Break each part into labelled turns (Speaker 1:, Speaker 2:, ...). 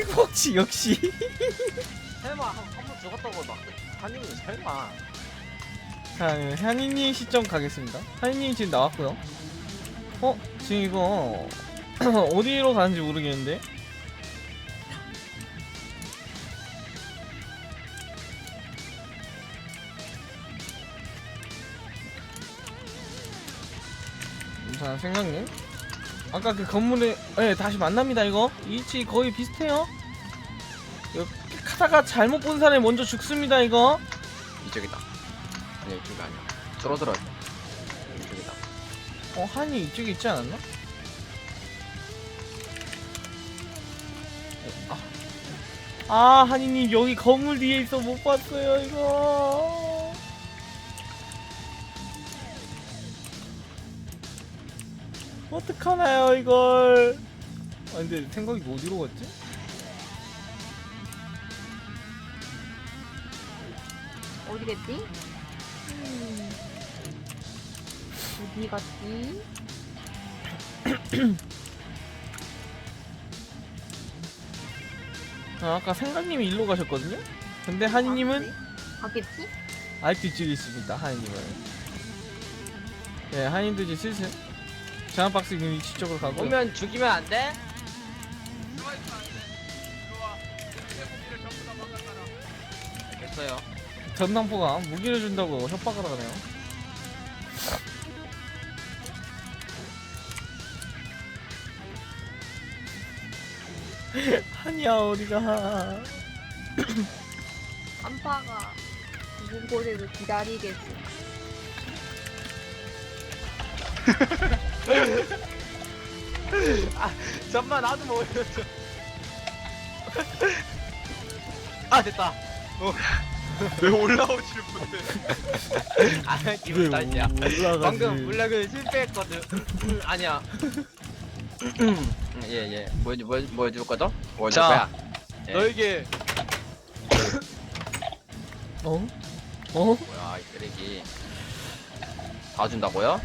Speaker 1: 생복치 역시.
Speaker 2: 설마 한번 죽었다고 막 한님은 설마.
Speaker 1: 자, 한이님 시점 가겠습니다. 한이님 지금 나왔고요. 지금 이거 어디로 가는지 모르겠는데. 자, 생각님. 아까 그 건물에 다시 만납니다. 이거 위치 거의 비슷해요. 이렇게 하다가 잘못 본 사람이 먼저 죽습니다. 이거.
Speaker 2: 이쪽이다. 아니 이쪽이 아니야. 줄어들어. 이쪽이다.
Speaker 1: 한이 이쪽에 있지 않았나? 한이님 여기 건물 뒤에 있어 못 봤어요 이거. 어떡하나요 이걸. 근데 생각이 어디로 갔지?
Speaker 3: 어디 갔지? 어디 갔지?
Speaker 1: 아까 생각님이 일로 가셨거든요? 근데 한이님은
Speaker 3: 가겠지?
Speaker 1: 아직도 이쪽에 있습니다. 한이님은. 네, 한이님도 이제 슬슬 장난박스 있는 위치 쪽으로 가고.
Speaker 2: 오면 죽이면 안 돼? 알겠어요.
Speaker 1: 전당포가 무기를 준다고 협박을 하네요. 한이야 어디가.
Speaker 3: 안파가 죽은 곳에서 기다리겠어.
Speaker 2: 잠만 나도 모르겠어. 아 됐다.
Speaker 4: 왜 올라오질 못해?
Speaker 2: 아 기분 탓이야.
Speaker 1: 올라가지.
Speaker 2: 방금 물약을 실패했거든. 아니야. 예예. 뭐 해줄 거죠? 뭐 해줄
Speaker 4: 자,
Speaker 2: 거야? 예.
Speaker 4: 너에게
Speaker 2: 뭐야 이 쓰레기. 다 준다고요?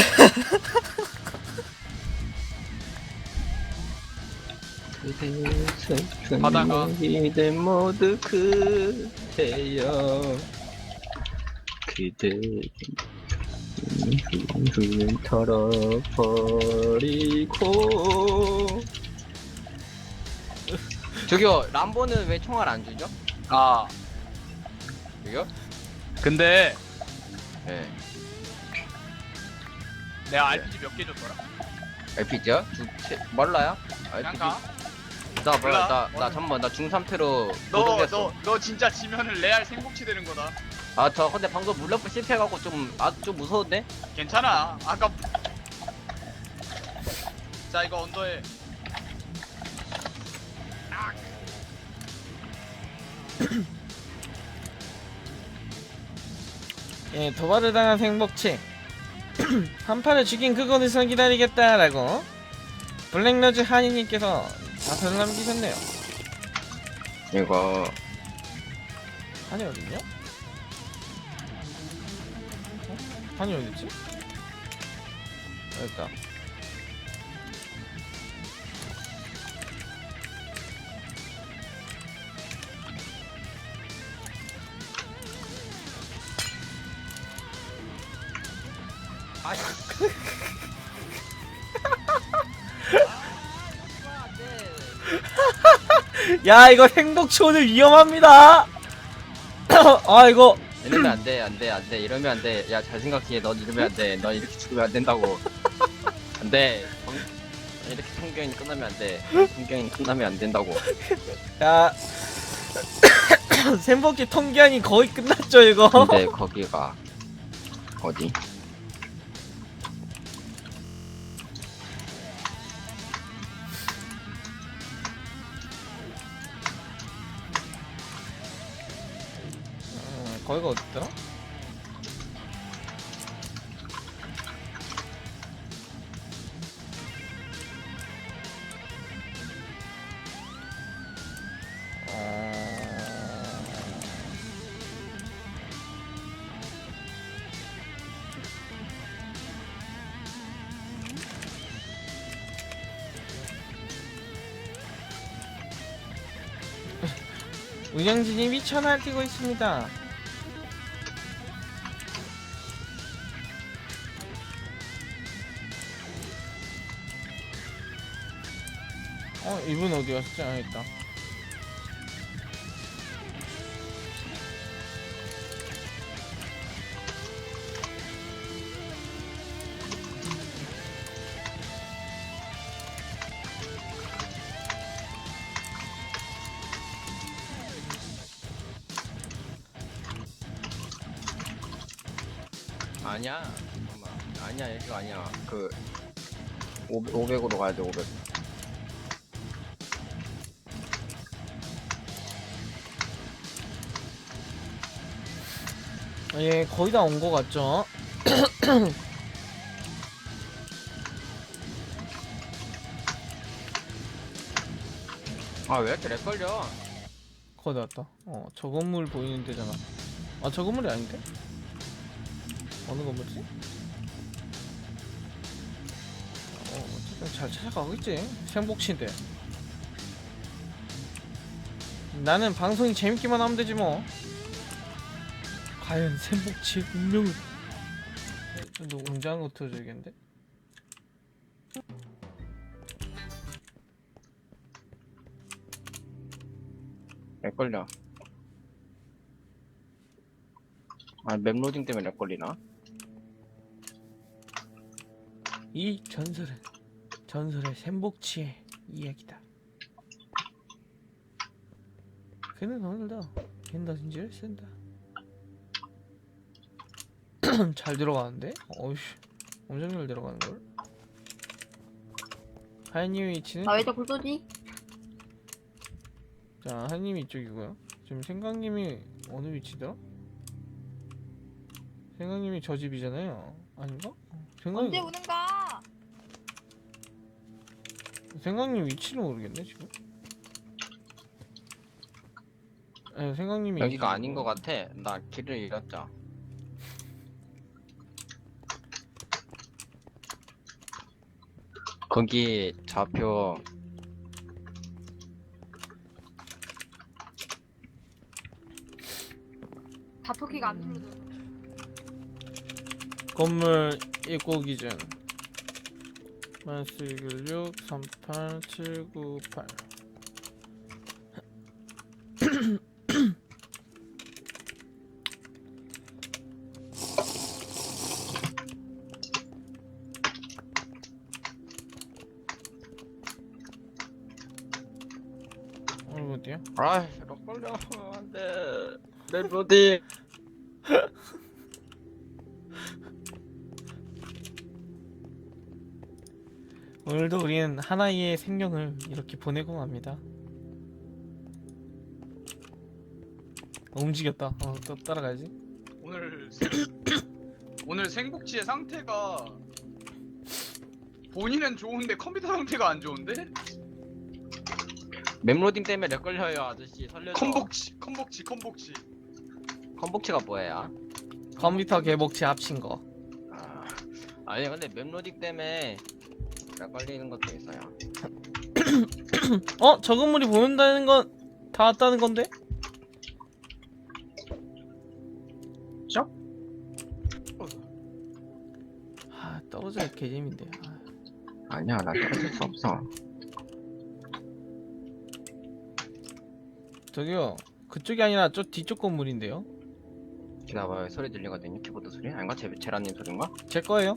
Speaker 4: 바다가
Speaker 2: 이들 모두 그대여 그대 털어버리고. 저기요 람보는 왜 총알 안 주죠?
Speaker 4: 아
Speaker 2: 저기요?
Speaker 4: 근데
Speaker 2: 예.
Speaker 4: 내가 RPG 몇 개 줬더라?
Speaker 2: LPG요? 몰라요?
Speaker 4: 그냥가?
Speaker 2: 나
Speaker 4: 몰라.
Speaker 2: 몰라. 나 잠깐만 나 중3태로 고등됐어.
Speaker 4: 너 진짜 지면은 레알 생복치 되는 거다.
Speaker 2: 아 저 근데 방금 물러프 실패해갖고 좀 무서운데?
Speaker 4: 괜찮아. 아까 자 이거 언더에
Speaker 1: 예, 도발을 당한 생복치. 한 판을 죽인 그곳에서 기다리겠다라고 블랙러즈 한이님께서 답변을 남기셨네요.
Speaker 2: 이거
Speaker 1: 한이 어딨냐? 한이 어딨지? 여기있다.
Speaker 2: 아
Speaker 1: 야 이거 행복치 오늘 위험합니다. 아 이거
Speaker 2: 이러면 안돼 이러면 안돼. 야 잘 생각해. 넌 이러면 안돼. 넌 이렇게 죽으면 안 된다고. 안돼. 이렇게 성경이 끝나면 안돼. 성경이 끝나면 안 된다고.
Speaker 1: 야 샘복치 통기한이 거의 끝났죠 이거.
Speaker 2: 근데 거기가 어디?
Speaker 1: 거기가 어딨더라? 운영진이 미쳐 날뛰고 있습니다. 이분 어디 갔지? 아, 있다.
Speaker 2: 아니야. 잠깐만. 아니야, 이거 아니야. 그 500으로 가야 돼. 500.
Speaker 1: 예, 거의 다 온 거 같죠?
Speaker 2: 아, 왜 이렇게 렉 걸려?
Speaker 1: 거의 다 왔다. 저 건물 보이는 데잖아. 아, 저 건물이 아닌데? 어느 건물이지? 어쨌든 잘 찾아가고 있지. 생복치인데. 나는 방송이 재밌기만 하면 되지 뭐. 과연 생복치의 운명은? 너 웅장한 거 틀어줘야겠는데?
Speaker 2: 렉 걸려. 아, 맵 로딩 때문에 렉 걸리나?
Speaker 1: 이 전설은 전설의 샘복치의 이야기다. 그는 오늘도 겐더진지를 쓴다. 잘 들어가는데? 어이씨, 엄청 잘 들어가는걸? 하이님 위치는?
Speaker 3: 나 왜 자꾸 쏘지?
Speaker 1: 자, 하이님이 이쪽이고요. 지금 생강님이 어느 위치더라? 생강님이 저 집이잖아요. 아닌가?
Speaker 3: 언제 오는가?
Speaker 1: 생강님 위치는 모르겠네 지금. 네, 생강님이
Speaker 2: 여기가 아닌 것 같아. 나 길을 잃었죠. 거기 좌표
Speaker 3: 자토키가 안 눌러져.
Speaker 1: 건물 입고 기준 1416 38798. 어디야?
Speaker 2: 아, 렉 걸려. 안돼. 맵 로딩.
Speaker 1: 오늘도 우리는 하나의 생명을 이렇게 보내고 맙니다. 움직였다. 또 따라가야지.
Speaker 4: 오늘 생복치의 상태가 본인은 좋은데 컴퓨터 상태가 안 좋은데?
Speaker 2: 맵 로딩 때문에 렉 걸려요, 아저씨. 살려줘.
Speaker 4: 컴복치.
Speaker 2: 컴복치가 뭐예요?
Speaker 1: 컴퓨터 개복치 합친 거.
Speaker 2: 아니 근데 맵 로딩 때문에 렉 걸리는 것도 있어요.
Speaker 1: 저 건물이 보인다는 건 다 왔다는 건데?
Speaker 2: 죠?
Speaker 1: 떨어져야 개재민데.
Speaker 2: 아니야, 나 떨어질 수 없어.
Speaker 1: 저기요, 그쪽이 아니라 저 뒤쪽 건물인데요?
Speaker 2: 기다봐요, 소리 들리거든요. 키보드 소리? 아닌가? 제라님 소리인가?
Speaker 1: 제 거예요?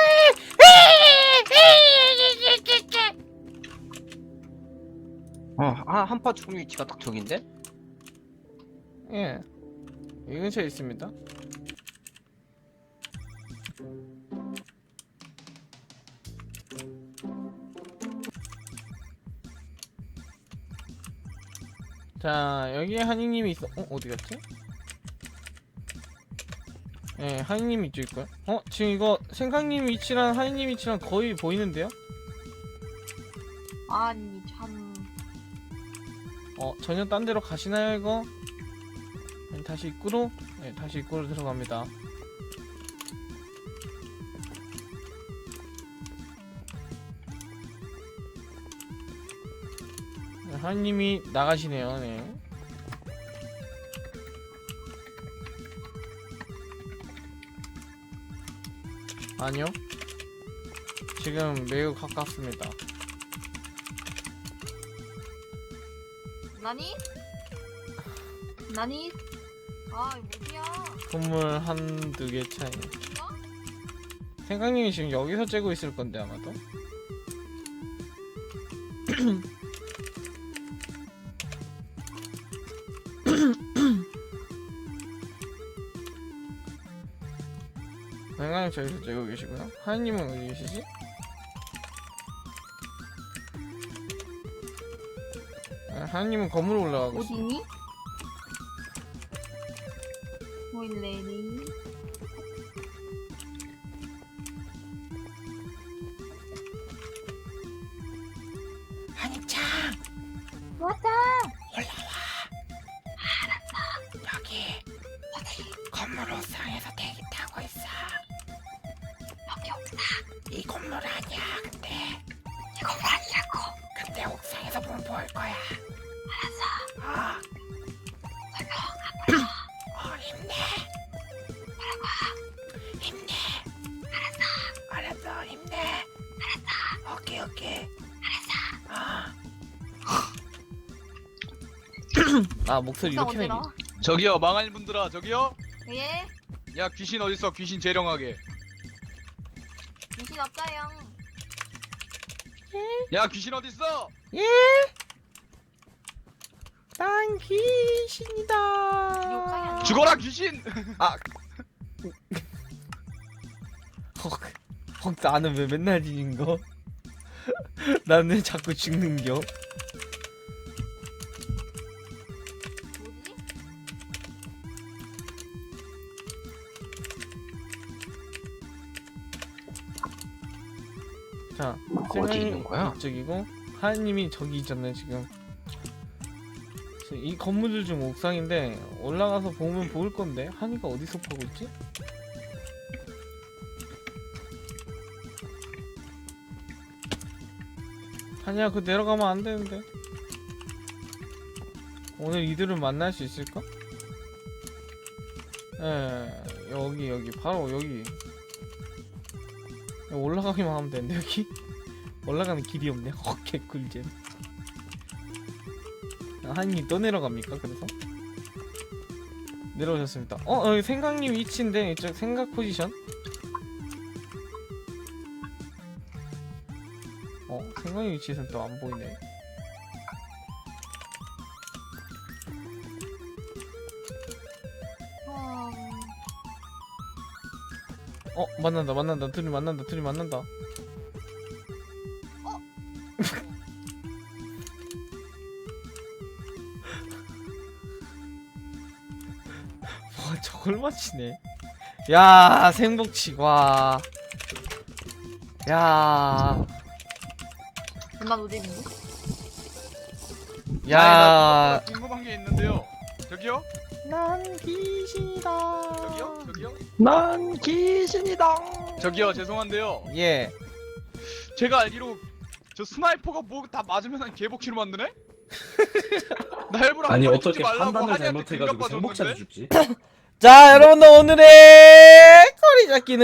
Speaker 2: 한파 죽음 위치가 딱 저긴데?
Speaker 1: 예, 이 근처에 있습니다. 자, 여기에 한이님이 있어. 어디 갔지? 예, 한이님 이쪽 있고요. 지금 이거 생강님 위치랑 한이님 위치랑 거의 보이는데요?
Speaker 3: 아니 참.
Speaker 1: 전혀 딴 데로 가시나요 이거? 다시 입구로? 네, 다시 입구로 들어갑니다. 네, 하느님이 나가시네요. 네. 아니요. 지금 매우 가깝습니다.
Speaker 3: 나니? 나니? 아 이거 어디야?
Speaker 1: 건물 한두 개 차이.
Speaker 3: 어?
Speaker 1: 생강님이 지금 여기서 째고 있을 건데 아마도. 생강님 저기서 째고 계시고요. 하연님은 어디 계시지? 하연님은 건물 올라가고 있어.
Speaker 3: 어디니? 보일레니?
Speaker 1: 한입장
Speaker 3: 왔다!
Speaker 1: 여기 건물 옥상에서 대기 타고 있어.
Speaker 3: 여기 없다.
Speaker 1: 이 건물 아니야. 근데
Speaker 3: 이거 아니라고.
Speaker 1: 근데 옥상에서 보면 보일 거야. 알았어. 힘내. 힘내. 알았어. 힘내. 오케이. 아 목소리
Speaker 3: 옥상
Speaker 1: 이렇게 내기.
Speaker 3: 어디라?
Speaker 4: 저기요 망할 분들아 저기요.
Speaker 3: 예?
Speaker 4: 야 귀신 어딨어? 귀신 재령하게.
Speaker 3: 귀신 없어요.
Speaker 4: 야 귀신 어딨어?
Speaker 1: 예? 난 귀신이다.
Speaker 3: 우리 옥상이 아니야.
Speaker 4: 죽어라 귀신.
Speaker 1: 헉, 나는 왜 맨날 지는 거? 나는 왜 자꾸 죽는겨?
Speaker 3: 뭐지?
Speaker 1: 자,
Speaker 2: 어디 있는 거야?
Speaker 1: 이쪽이고 하연님이 저기 있잖아요 지금. 이 건물들 중 옥상인데 올라가서 보면 보일 건데 한이가 어디서 보고 있지? 한이야 그 내려가면 안 되는데. 오늘 이들을 만날 수 있을까? 예, 여기 바로 여기. 올라가기만 하면 되는데 여기 올라가는 길이 없네. 개꿀잼. 한이 또 내려갑니까? 그래서 내려오셨습니다. 여기 생강님 위치인데 이쪽 생각 포지션. 생강님 위치에선 또 안 보이네. 만난다. 둘이 만난다. 와, 저걸 맞히네. 야, 생복치, 와. 야,
Speaker 3: 난 어디 있는데?
Speaker 1: 야.
Speaker 4: 궁금한 게 있는데요. 저기요?
Speaker 1: 난 귀신이다.
Speaker 4: 저기요?
Speaker 2: 난 귀신이다.
Speaker 4: 저기요 죄송한데요.
Speaker 1: 예.
Speaker 4: 제가 알기로 저 스나이퍼가 뭐 다 맞으면 개복치로 만드네? 나 일부러
Speaker 5: 아니
Speaker 4: 한 번에
Speaker 5: 어떻게
Speaker 4: 죽지 말라고
Speaker 5: 판단을
Speaker 4: 한이한테
Speaker 5: 잘못해가지고
Speaker 4: 공격
Speaker 5: 생복차를
Speaker 4: 받았는데?
Speaker 5: 죽지?
Speaker 1: 자, 여러분들 오늘의 거리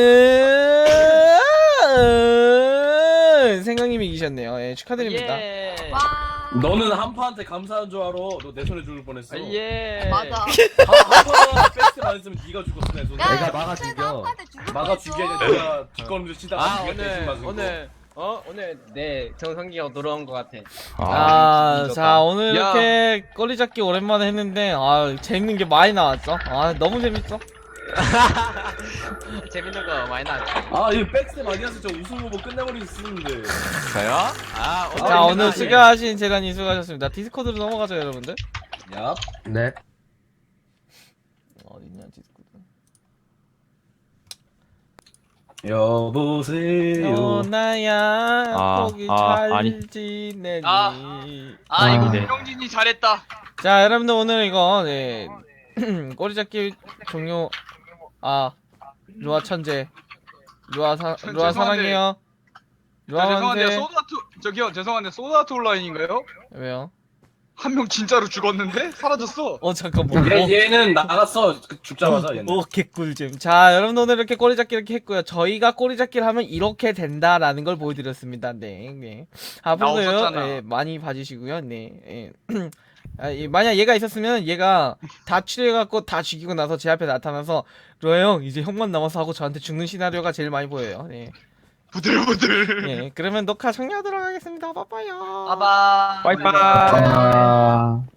Speaker 1: 잡기는 생강님이 이기셨네요. 예, 축하드립니다.
Speaker 2: 예.
Speaker 3: 와.
Speaker 5: 너는 한파한테 감사한 줄 알아. 너 내 손에 죽을 뻔했어.
Speaker 2: 예.
Speaker 3: 맞아.
Speaker 5: 한파한테 백스 안 했으면 네가 죽었어 내 손에.
Speaker 3: 야,
Speaker 6: 내가
Speaker 3: 야,
Speaker 6: 막아
Speaker 3: 진짜
Speaker 6: 죽여.
Speaker 3: 나한테 죽을
Speaker 5: 막아
Speaker 3: 뻔했어.
Speaker 5: 죽여야 내가 뒷걸음질 치다가
Speaker 2: 아
Speaker 5: 네가 대신 맞은 거.
Speaker 2: 오늘 내 정성기가 돌아온 것 같아.
Speaker 1: 자, 오늘
Speaker 4: 야.
Speaker 1: 이렇게 거리 잡기 오랜만에 했는데, 재밌는 게 많이 나왔죠? 너무 재밌어.
Speaker 2: 재밌는 거 많이 나왔지.
Speaker 5: 이 백스 많이 해서 저 우승 후보 끝내버릴 수 있는데.
Speaker 2: 저요?
Speaker 1: 자, 오늘
Speaker 5: 재밌다.
Speaker 1: 수고하신 재단이 수고하셨습니다. 디스코드로 넘어가죠, 여러분들.
Speaker 5: 야.
Speaker 6: 네.
Speaker 1: 어딨냐, 디스코드.
Speaker 5: 여보세요.
Speaker 1: 나야, 거기 잘
Speaker 7: 아니.
Speaker 1: 지내니.
Speaker 4: 이거
Speaker 6: 네.
Speaker 4: 형진이 잘했다.
Speaker 1: 자, 여러분들 오늘 이거, 네. 꼬리 잡기 종료. 루아 천재. 루아
Speaker 4: 죄송한데.
Speaker 1: 사랑해요. 루아
Speaker 4: 죄송한데
Speaker 1: 만세.
Speaker 4: 소드아트 저기요 죄송한데 소드아트 온라인인가요?
Speaker 1: 왜요?
Speaker 4: 한 명 진짜로 죽었는데 사라졌어.
Speaker 1: 잠깐만.
Speaker 5: 얘는 나갔어. 죽자마자 얘는.
Speaker 1: 개꿀잼. 자, 여러분 오늘 이렇게 꼬리잡기 이렇게 했고요. 저희가 꼬리잡기를 하면 이렇게 된다라는 걸 보여드렸습니다. 네, 네. 앞으로도요,
Speaker 4: 없었잖아.
Speaker 1: 네, 많이 봐주시고요. 네. 예. 만약 얘가 있었으면 얘가 다 추리해갖고 다 죽이고 나서 제 앞에 나타나서 로아 형 이제 형만 남아서 하고 저한테 죽는 시나리오가 제일 많이 보여요. 네.
Speaker 4: 부들부들.
Speaker 1: 예. 그러면 녹화 종료하도록 하겠습니다. 빠빠요.
Speaker 2: 봐봐.
Speaker 1: 빠이빠이.
Speaker 6: 아...